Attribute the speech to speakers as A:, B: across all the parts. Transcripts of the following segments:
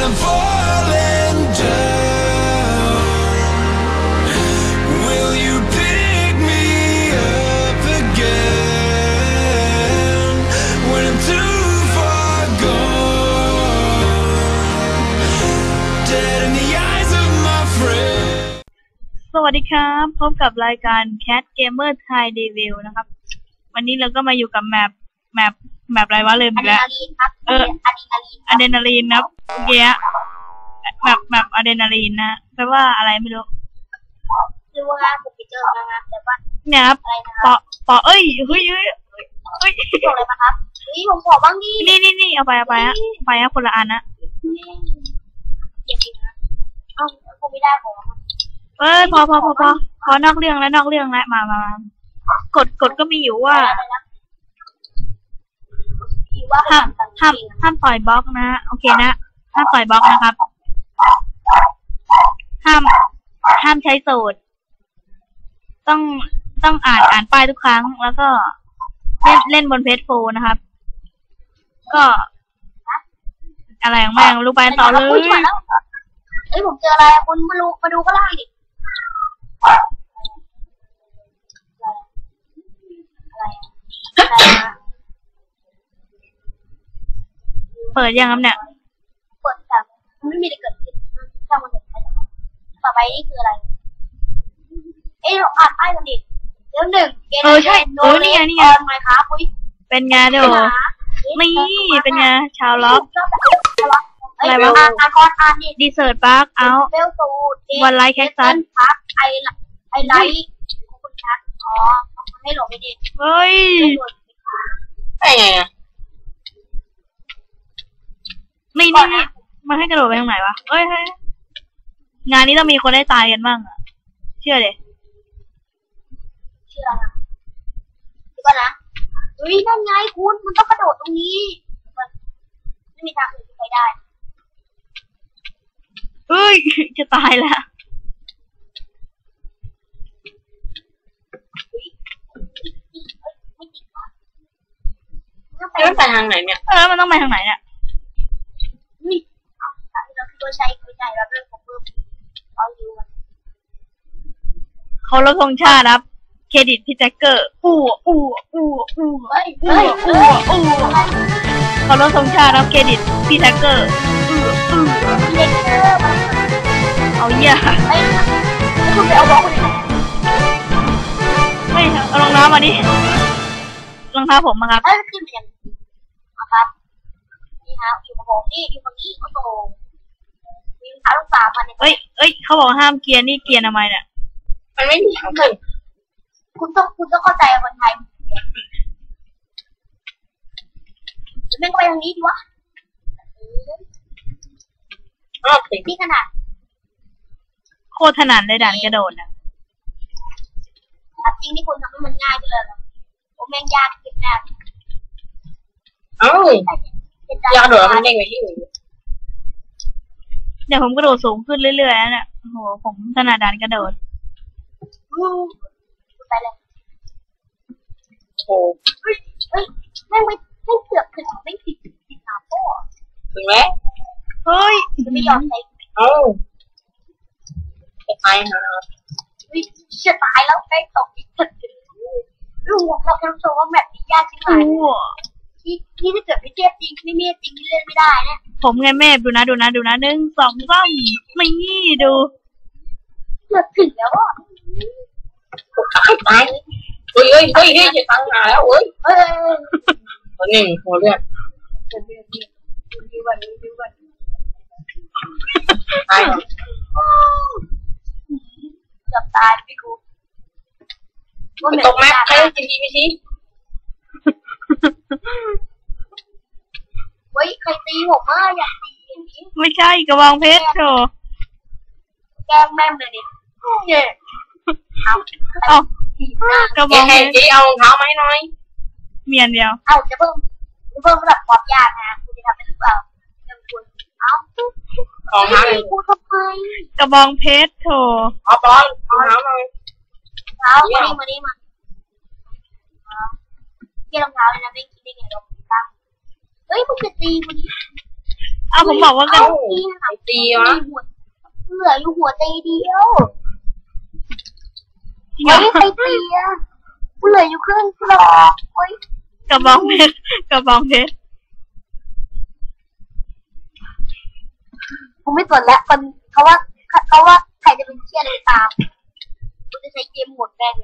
A: I'm falling down, will you pick me up again when I'm too far gone, dead in the eyes of my friends.
B: สวัสดีครับพบกับรายการ Cat Gamer Thai Review นะครับวันนี้เราก็มาอยู่กับแมปอะไรวะลืมอีกแล้วอะดรีนาลีนครับเมื่อกี้แมปอะดรีนาลีนนะแปลว่าอะไรไม่รู้
C: คือว่าผมไปเจอมาครับแต่ว่า
B: เนี่ยครับปอเอ้ยเฮ้ย
C: บอกอะไรมาครับผมขอบ้างดิ
B: นี่เอาไปฮะคนละอันนะ
C: เก็บจริงนะผมไม่ได้ผม
B: พอนอกเรื่องแล้วมากดก็มีอยู่ว่าห้ามปล่อยบล็อกนะโอเคนะห้ามปล่อยบล็อกนะครับห้ามใช้สูตรต้องอ่านป้ายทุกครั้งแล้วก็เล่นบนเพจโฟนะครับก็อะไรของแม่งรู้ไปต่อเลย
C: ผมเจออะไรคุณมาดูก็ไล่ดิ
B: เปิดยังครับเนี่ย
C: เปิดแต่ไม่มีอะไรเกิดขึ้นช่างมันเถอะต่อไปนี่คืออะไรเราอ่านป้ายกันดิเดี๋ยวหนึ่ง
B: ใช่นี่ไง
C: ไมครับ
B: เป็นไงเดี๋ยวนี่เป็นไงชาวล็อกอะไรวะ
C: อ่านดิ
B: ดีเซิร์ตปาร์คเอาวันไลท์แคคตัส
C: พักไอไลท์คุณชักให้หลบไปดิ
B: เฮ้ย
C: ไง
B: นี่มันให้กระโดดไปทางไหนวะเอ้ยงานนี้ต้องมีคนได้ตายกันบ้างอะเชื่อนะ
C: นะนั่นไงคุณมันต้องกระโดดตรงนี้มันไม่มีทางอื่นที่ไปได้
B: เฮ้ยจะตายแล้ว
C: มันไปทางไหนเนี่ย
B: มันต้องไปทางไหนเนี่ย
C: ตัวใช้แล้วเรื่องของเพิ่ม
B: เขาลดธงชาติครับเครดิตพี่แจ็คเกอร์เขาลดธงชาติครับเครดิตพี่แจ็คเกอร์เอาเหี้ย
C: คุณไปเอาบล็อกไปไหน
B: ไม่เอารองเท้ามาดิรองเท้าผมมาครับ
C: ขึ้นไปยังครับนี่ครับอยู่กับผมนี่อยู่ตรงนี้โอ้โหมีรองเท้าลูกสาวมาเนี่ย
B: เอ้ยเขาบอกห้ามเกียร์นี่เกียร์ทำไมเนี่ย
C: มันไม่มีทางขึ้นคุณต้องเข้าใจคนไทยแม่งไปทางนี้ดีวะนี่ขนาด
B: โคตรถนัดเลยด่านกระโดดนะ
C: จริงที่คุณทำให้มันง่ายไปเลยผมแม่งยากขึ้นแน่ยากโดดมันเด้งไปที่อื่น
B: เดี๋ยวผมกระโดดสูงขึ้นเรื่อยๆนะเนี่ยโอ้โหผมถนัดด่านกระโดด
C: ไปเลยโอ้แม่งไม่เกือบถึงไม่ติดหนาพ่อ
B: ถึงแล้วเฮ้ย
C: จะไม่ยอมใช้จะตายนะจะตายแล้วใกล้ตกอีกถึงลูกเราจะรู้สึกว่าแบบนี้ยากจริงไหมที่ถ้าเกิดไม่เทียบจริงไม่เมียจริงเล่นไม่ได้นะ
B: ผมไงแม่ดูนะ1 2 3ไม่ดู
C: เกือบถึงแล้วอ่ะ
D: ตายเฮ้ยจะตั้งหาแล้วตัวหนึ่งหัวเลือดตาย
C: เกือบตายพี่กู
D: ตกแม็กใครจริงไม่ชี้
C: ใครตีผมอยากตีอย่างนี้
B: ไม่ใช่กระบองเพชรโธ่
C: แกล้งแม่เลยดิ
B: เอากระบองเพชร
D: เอาเท้าไหมน้อย
B: เมียนเดียว
C: จะเพิ่มระดับความยากนะคุณจะทำได้หรือเปล่าคุณ
D: ของเท้าเลย
C: พูดทำไม
B: กระบองเพชรโธ่
D: เอาบอลเอาเท้าหน่อย
C: เท้ามานี่เกี่ยรองเท้าเลยนะไม่คิดได้ไงลงตั้งมึงจะตีมัน
B: อ้าวผมบอกว่ากัน
D: ไอ้ตีวะ
C: เหลืออยู่หัวใจเดียว
B: ยอ
C: เฮ้ยไอ้เตียกูเหลืออยู่ครึ่งกรอบเฮ้ย
B: กระบองเพชรกระบองเพชร
C: กูไม่สนแล้วคนเขาว่าใครจะเป็นเชี่ยอะไรตามกูจะใช้เกมโหมดแม่ง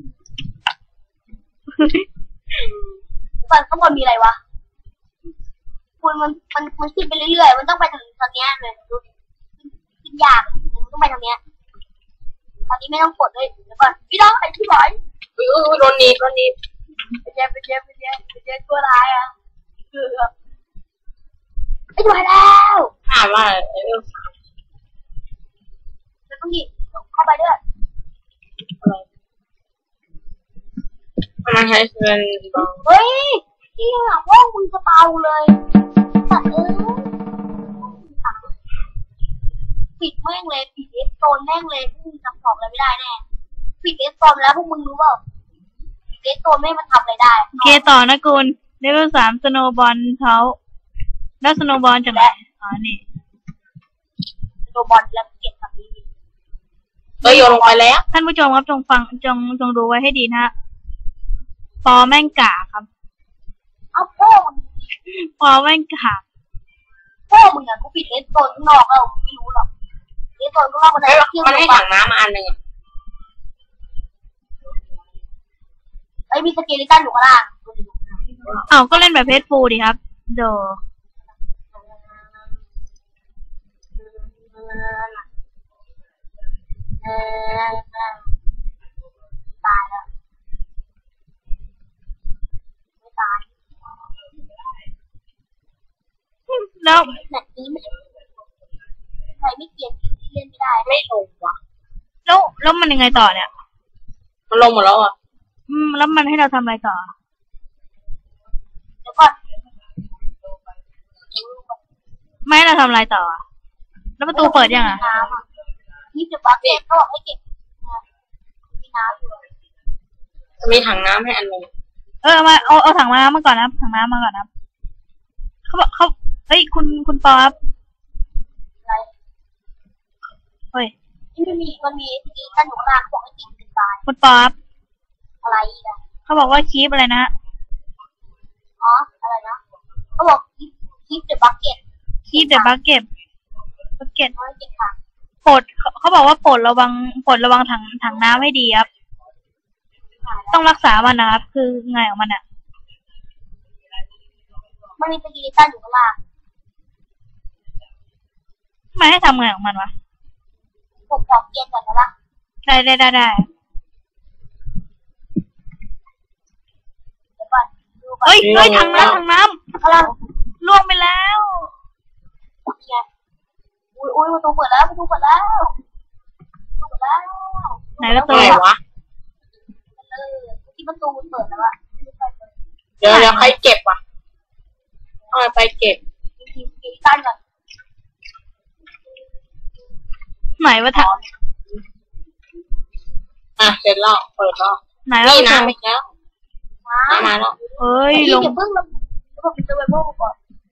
C: ฝั่งข้างบนมีอะไรวะคุณมันขึ้นไปเรื่อยๆมันต้องไปทางเนี้ยเลยดูดิขึ้นยากมันต้องไปทางเนี้ยตอนนี้ไม่ต้องกดเลยเดี๋ยวก่อนพี่น้องไอ้ที่ไหน
D: โดนนี้
C: ไปเจอตัวร้ายอ่ะไอ้ตัวแล้ว
D: ถามว่า
C: แล้วต้องหยิบเข้าไปด้วย
D: มันใช้เป็น
C: เฮ้ยที่ห้องมึงจะเบาเลยสัตว์ปิดแม่งเลยปิดเอสโซนแม่งเลยพวกมึงจำของอะไรไม่ได้แน่ปิดเอสโซนแล้วพวกมึงรู้เปล่าปิดเอสโซนไม่มันทำอะไรได้
B: โอเคต่อนะคุณเลเวล3สโนว์บอลเขาแล้วสโนว์บอลจากไหนอ๋อนี่
C: โดบอลแล้วเก็บแบบนี้
D: โยนลงไปแล้ว
B: ท่านผู้ชมครับจงฟังจงดูไว้ให้ดีนะฮะปอแม่งกาครับ
C: เอาพ่อมึง
B: ปอแม่งกา
C: พ่อมึงอ่ะกูปิดเอสโซนข้างนอกแล้วไม่รู้หรอกเอสโซนข้างนอกมันจะเที่ยว
D: มันให้
C: ลง
D: ถังน้ำมาอันหนึ่ง
C: ไอ้มีสเกลิตันอยู่ข้างล่าง
B: อ้าวก็เล่นแบบเพจฟูดีครับโด
C: ตายแล้วไม่ตาย
B: แล้ว
C: แบบนี้ไม่ใครไม่เกลียดเล่นไม่ได้
D: ไม่ลงว่ะ
B: แล้วมันยังไงต่อเนี่ย
D: มันลงหมดแล้วอ่ะ
B: แล้วมันให้เราทำอะไรต่อ
C: แล้วก็
B: ไม่ให้เราทำอะไรต่ออะแล้วประตูเปิดยังอ่ะ
C: น้ำอ่ะนี่จะบักเก็ตก็ให้เก็บมีน้ำอยู่
D: มีถังน้ำให้อันหนึ่ง
B: มาเอาถังน้ำมาก่อนนะถังน้ำมาก่อนนะเขาบอกเขาเฮ้ยคุณปอครับ
C: อะไร
B: เฮ้ย
C: ที่มันมีสกีกันอยู่ข้างล่างเขาบอกให้ติดเป็นตาย
B: คุณปอครับ
C: อะไรอีกอ่ะ
B: เขาบอกว่าคีบอะไรนะ
C: อ๋ออะไรนะเขาบอกคีปเดอะบักเก็ต
B: คีบเดอะบักเก็ต
C: เขาให้เก็บถัง
B: โปรดเขาบอกว่าโปรดระวังถังน้ำให้ดีครับต้องรักษามันนะครับคือไงของมันอ่ะ
C: มันมีสกีกันอยู่ข้างล่าง
B: ไม่ให้ทำไงของมันวะ
C: ผมขอเกียร์ก่อนนะล่ะ
B: ได้
C: เดี๋ยวก่อนดูก่อน
B: เฮ้ยถังน้ำ
C: อะไร
B: ล่วงไปแล้ว
C: เกียร์อุ้ยประตูเปิดแล้ว
B: ไหนประตู
D: อะไรวะ
C: ที่ประตูมันเปิดแล้วอะ
D: เดี๋ยวใครเก็บวะเอาไปเก็บ
C: ทีสกีกันก่อน
B: ไหนวะถัง
D: เสร็จแล้วเปิดแล้ว
B: ไหนแล้ว
D: นี่น้ำอีกแล้วน้ำมาแล้ว
B: เอ้ยลง
C: อย่าเพิ่งลงผมจะไปโม่ก่อน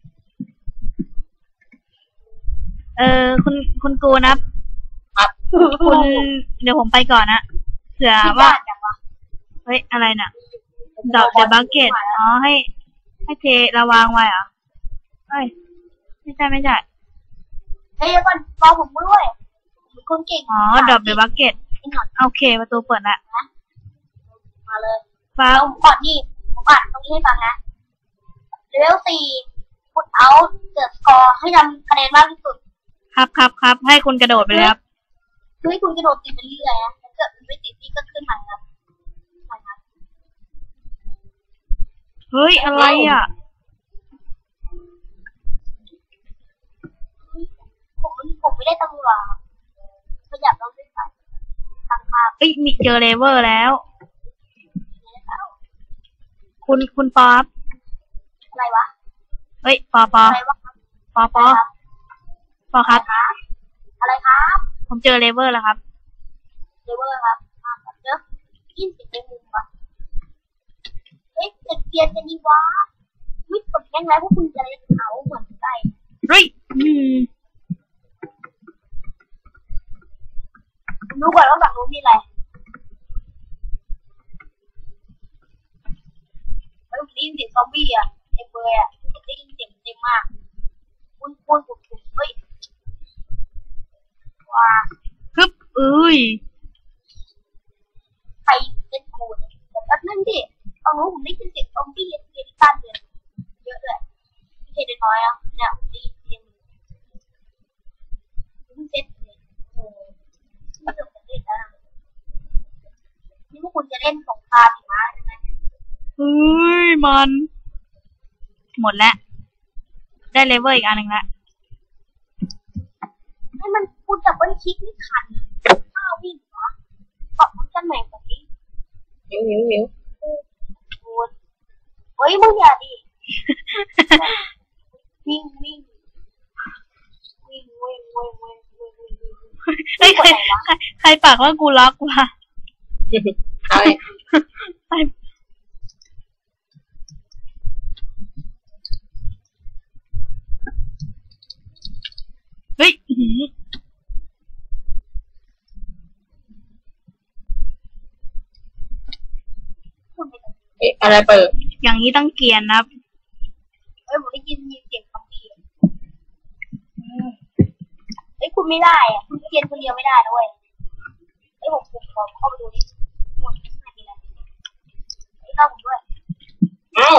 B: คุณกูนะครับ คุณเดี๋ยวผมไปก่อนนะเผื่อว่าเฮ้ยอะไรน่ะดอกเดอะบักเก็ตอ๋อให้เทระวางไว้เหรอเฮ้ยไม่ใช่
C: เฮ้ยก่อนรอผมด้วยผมคนเก่ง
B: อ๋อดอกเดอะบักเก็ตโอเคประตูเปิดละ
C: มาเลย
B: ฟ้า
C: เอาก่อนนี่ผมอ่านตรงนี้ให้ฟังนะเลเวล4พุทเอาเดอะสกอร์ให้ทำคะแนนมากที่สุด
B: ครับให้คุณกระโดดไปเลยครับ
C: คือให้คุณกระโดดติดไปเรื่อยๆนะถ้าเกิดคุณไม่ติดนี่ก็ขึ้นใหม่ครับ
B: เฮ้ยอะไรอ่ะ
C: ผมไม่ได้ตำรวจขยับเราด้วยกันทางภาพ
B: เอ้ยมีเจอเลเวอร์แล้ว คุณป๊อป
C: อะไรวะ
B: เฮ้ยปอ
C: อะไรวะ
B: ปอครับ
C: อะไรครับ
B: ผมเจอเลเวอร์แล้วครับ
C: เลเวอร์ครับเดี๋ยวยินเสียงในมุมวะเฮ้ยเกียร์จะดีวะไม่กดแย่งแล้วพวกคุณจะอะไรเขาเหมือนไก่
B: เฮ้ย
C: อ่ะเต็มเลยอ่ะได้ยินเสียงเต็มมากปุ้นปุ้นเฮ้ยว้า
B: ฮึบ
C: ใครเล่นกูเนี่ยแต่แป๊บนึงดิตอนนู้นผมได้ยินเสียงซอมบี้เยอะตั้นเลยเยอะเลยไม่ใช่น้อยอ่ะเนี่ยผมได้ยินเสียงเซ็ตเลยโอ้ไม่เกิดจะเล่นแล้วนี่พวกคุณจะเล่นสงครามหิมะใช่ไหม
B: มัน หมดแล้ว ได้เลเวลอีกอันหนึ่งแล้ว
C: ให้มันคุณจับเบิ้ลคลิกนี่ขันข้าววิ่งเหรอปรับมันกันใหม่แบบนี้
D: หิว
C: คุณเฮ้ยมึงอย่าดิวิ่ง
B: เฮ้ยใครปากว่ากูล็อกวะ
D: ใช่
B: เฮ้ย
C: คุณไปไหน
D: เอ๊ะอะไรเปิด
B: อย่างนี้ต้องเกรียนนะครับ
C: เฮ้ยผมได้ยินเสียงซอมบี้เฮ้ยคุณไม่ได้อ่ะคุณเกียนคนเดียวไม่ได้ด้วยเฮ้ยผมขอเข้าไปดูดิมันไม่มีอะไรเฮ้ยเข้าผมด้วย
D: เอ้า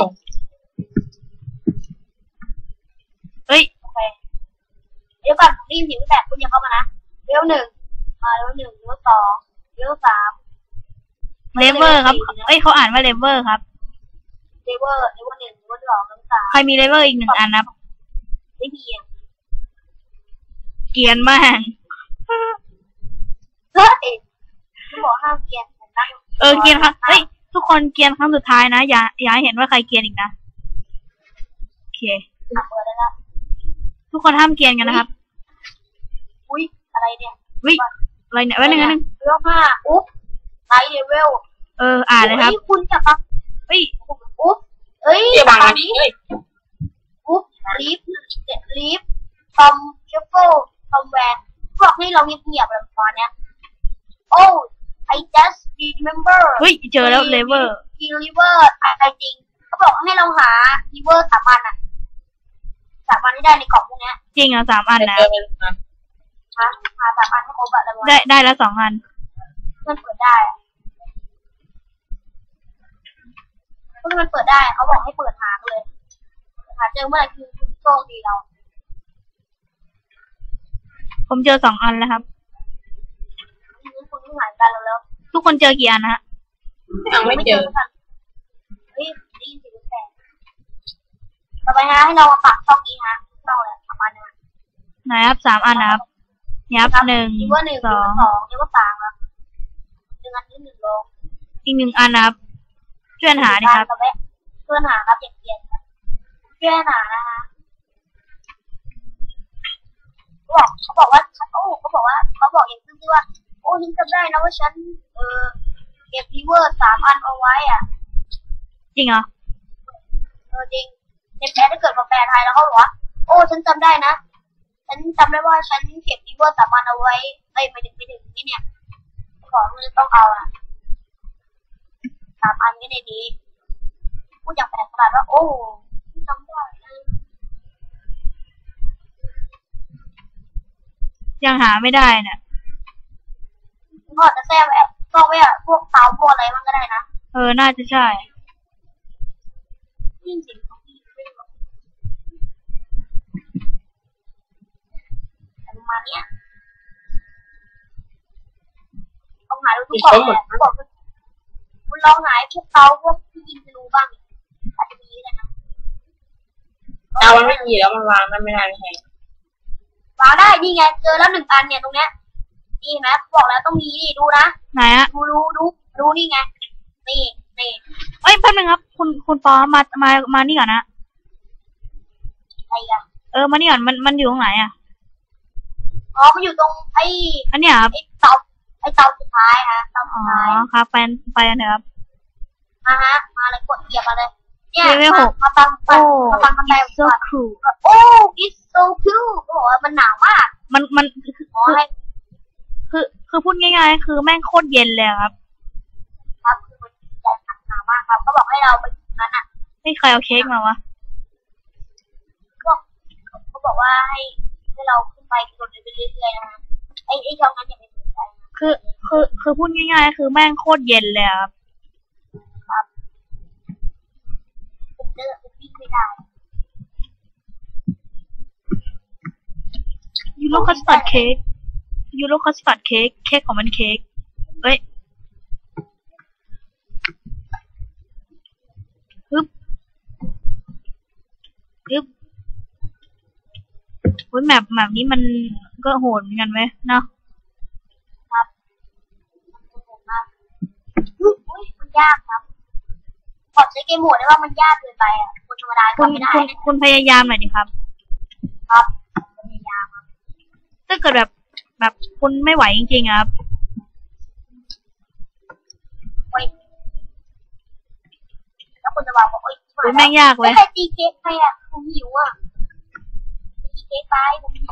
B: เฮ้ย
C: โอเคเดี๋ยวก่อนผมได้ยินเสียงแบบคุณอย่าเข้ามานะเลี้ยวหนึ่งเลี้ยวหนึ่งเลี้ยวสองเลี้ยวสาม
B: เลเวอร์ครับ เอ้ยเขาอ่านว่าเลเวอร์ครับ
C: เลเวอร์หนึ่งเลเวอร์สองเลเวอร์สาม
B: ใครมีเลเวอร์อีกหนึ่งอันนะครับ
C: ไม่มีอ่ะ
B: เกรียนมาก
C: เฮ้ยคุณบอกห้ามเกียนผมนั่ง
B: เกรียนครับ เฮ้ย ทุกคนเกรียนครั้งสุดท้ายนะ อย่าให้เห็นว่าใครเกรียนอีกนะ โอเค
C: เปิดได้แล้ว
B: ทุกคนห้ามเกรียนกันนะครับ
C: อุ้ยอะไรเนี่ย
B: วิอะไรเนี่ยไว้หนึ่ง
C: เลี้ยวห้าอุ๊บไลท์เลเวล
B: อ่านเลยครับ
C: คุณจะปัก
B: เฮ้ย
C: อุ๊บเอ้ย
D: เกี่ยบางอันนี้เฮ้ย
C: อุ๊บลีฟทอมเชฟเฟิลทอมแวนบอกให้เราเงียบๆแบบตอนเนี้ย Oh I just remember
B: เฮ้ย เจอแล้วเลเวอร์
C: river I think เขาบอกให้เราหา river 3 อันอ่ะ3 อันที่ได้ในกล่องพวกเนี้ย
B: จริงเหรอ3 อันนะ
D: เจอเป็นนะ
C: หา3 อันให้ครบอะแล้ว
B: ได้แล้ว2 อัน
C: มันเปิดได้เพราะมันเปิดได้เขาบอกให้เปิดหาเลยหาเจอเมื่อไหร่คือคุณโชคดีเรา
B: ผมเจอ2 อันแล้วครับ
C: ทีนี้คุณต้องหากันแล้ว
B: ทุกคนเจอกี่อันนะฮะ
D: ยังไม่เจอ
C: กันเฮ้ยได้ยินเสียงแสงต่อไปฮะให้เรามาปักช่องนี้ฮะช่องอะไร3 อันเนี่ย
B: ไหนครับ3 อันนะครับยับ1
C: นี่ว่า1
B: 2
C: 2นี่ว่า3ครับ1 อันนี้1 โล
B: อีก1 อันนะครับช่วยหาดิครับ
C: เพื่อนหาครับอย่างเกียนเพื่อนหานะคะเขาบอกว่าเขาบอกอย่างซื่อว่าโอ้ฉันจำได้นะว่าฉันเก็บรีเวอร์3 อันเอาไว้อ่ะ
B: จริงเหรอ
C: จริงในแปลถ้าเกิดมาแปลไทยแล้วเขาบอกว่าโอ้ฉันจำได้นะฉันจำได้ว่าฉันเก็บรีเวอร์3 อันเอาไว้ไม่ถึงนี่เนี่ยของมันต้องเอาอ่ะ3 อันก็ในนี้พูดอย่างแปลกประหลาดว่าโอ้จำได้นะ
B: ยังหาไม่ได้เนี่ย
C: ก็จะแทรกแอบก็ไว้อะพวกเตาพวกอะไรมันก็ได้นะ
B: น่าจะใช่
C: ยิ่งสิ่งของพี่ไม่หรอกแต่ประมาณเนี้ยต้องหาดูทุกคนเลยบอกคุณลองหาพวกเตาพวกที่ยิงธนูบ้างอาจจะมีเลยนะ
D: ดาวมันไม่มีแล้วมันวางมันไม่ได้ไม่ใช่
C: วางได้นี่ไงเจอแล้ว1 อันเนี่ยตรงเนี้ยนี่นะบอกแล้วต้องมีนี่ดูนะ
B: ไหนอะ
C: ดูนี่ไงนี่
B: เอ้ยแป๊บนึงครับ คุณปอมานี่ก่อนนะ
C: อะไรอ่ะ
B: มานี่ก่อนมันอยู่ตรงไหนอะ
C: อ๋อมันอยู่ตรง
B: อันเนี้ยครับ
C: เตาสุดท้ายฮะเตาสุดท้าย
B: ครับไปกันเถอะครับ
C: มาเลยกดเหยียบมาเลยเนี่ย
B: เลเวล 6
C: มาฟังกันไป
B: so cool
C: โอ้ it's so cool เขาบอกว่ามันหนาวมาก
B: มัน
C: ขอให้
B: คือพูดง่ายๆคือแม่งโคตรเย็นเลยครับ
C: ครับคือมันใจหนาวมากครับเขาบอกให้เราไปถึงนั้นอ่ะ
B: ไม่ใครรเอาเค้กมาวะ
C: เขาบอกว่าให้เราขึ้นไปกดไปเรื่อยๆนะคะไอ้ช่องนั้นอย่าไปสนใจนะ
B: คือพูดง่ายๆคือแม่งโคตรเย็นเลยครับ
C: ผมวิ่งไม่ได้
B: ยูโรคัสตาร์ดเค้กยูโรคัสตาร์ดเค้กเค้กของมันเค้กเฮ้ยฮึบโอ้ยแมปนี้มันก็โหดเหมือนกันไหมเนาะ
C: อุ้ยมันยากครับขอใช้เกมโหมดได้ว่ามันยากเกินไปอ่ะคนธรรมดาทำไม่ได้
B: คุณพยายามหน่อยดิครับ
C: ครับพยายามครับ
B: ถ้าเกิดแบบคุณไม่ไหวจริงๆครับ
C: โอ้ยแล้วคุณจะบอกว่าโอ้ย
B: คุณแม่งยากเว้ย
C: ใครตีเค้กใครอ่ะผมหิวอ่ะตีเค้กไปผมหิว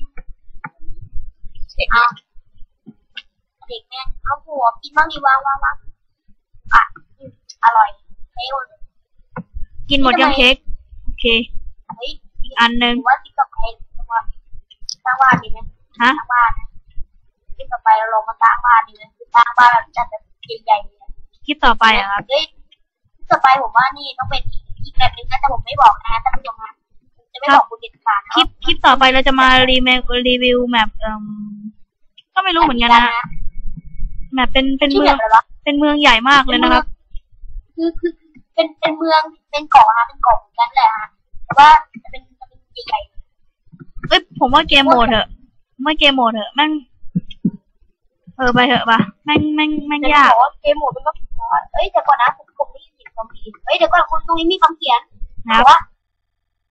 C: เอาเด็กแม่เอาหัวกินบ้างดีวางอ่ะอร่อยเฮ้ย
B: กินหมดยังเค้กโอเค
C: เฮ้ย
B: อีกอันหนึ่ง
C: ว่าที่ต่อไปสร้างบ้านดีไหม
B: ฮะ
C: สร้างบ้านนะที่ต่อไปเราลงมาสร้างบ้านดีไหมสร้างบ้านแบบจัดแบบใหญ่ๆเลย
B: คลิปต่อไปอะครับ
C: เฮ้ยที่ต่อไปผมว่านี่ต้องเป็นอีกแบบนึงนะแต่ผมไม่บอกนะท่านผู้ชมฮะผมจะไม่บอกคุณเด็ดขาดนะ
B: คลิปต่อไปเราจะมารีวิวแมปก็ไม่รู้เหมือนกันนะแมปเป็น
C: ชื่อ
B: เมื
C: แบ
B: อง
C: บอะไรวะ
B: เป็นเมืองใหญ่มากเลยนะครับ
C: คือเป็นเมืองเป็นเกาะฮะเป็นเกาะเหมือนกันแหละฮะแต่ว่าจะเป็นใหญ่
B: เอ้ยผมว่าเกมโหมดเถอะไม่เกมโหมดเถอะแม่งไปเถอะปะแม่ง
C: ๆ
B: ยาก
C: บอกว่าเกมโหมดเป็นก็เอ้ยเดี๋ยวก่อนนะผมได้ยินเสียงคอมพิวเฮ้ยเดี๋ยวก่อนคุณตรงนี้มีคำเขียน
B: นะค
C: บ
B: รั
C: อบ กว่า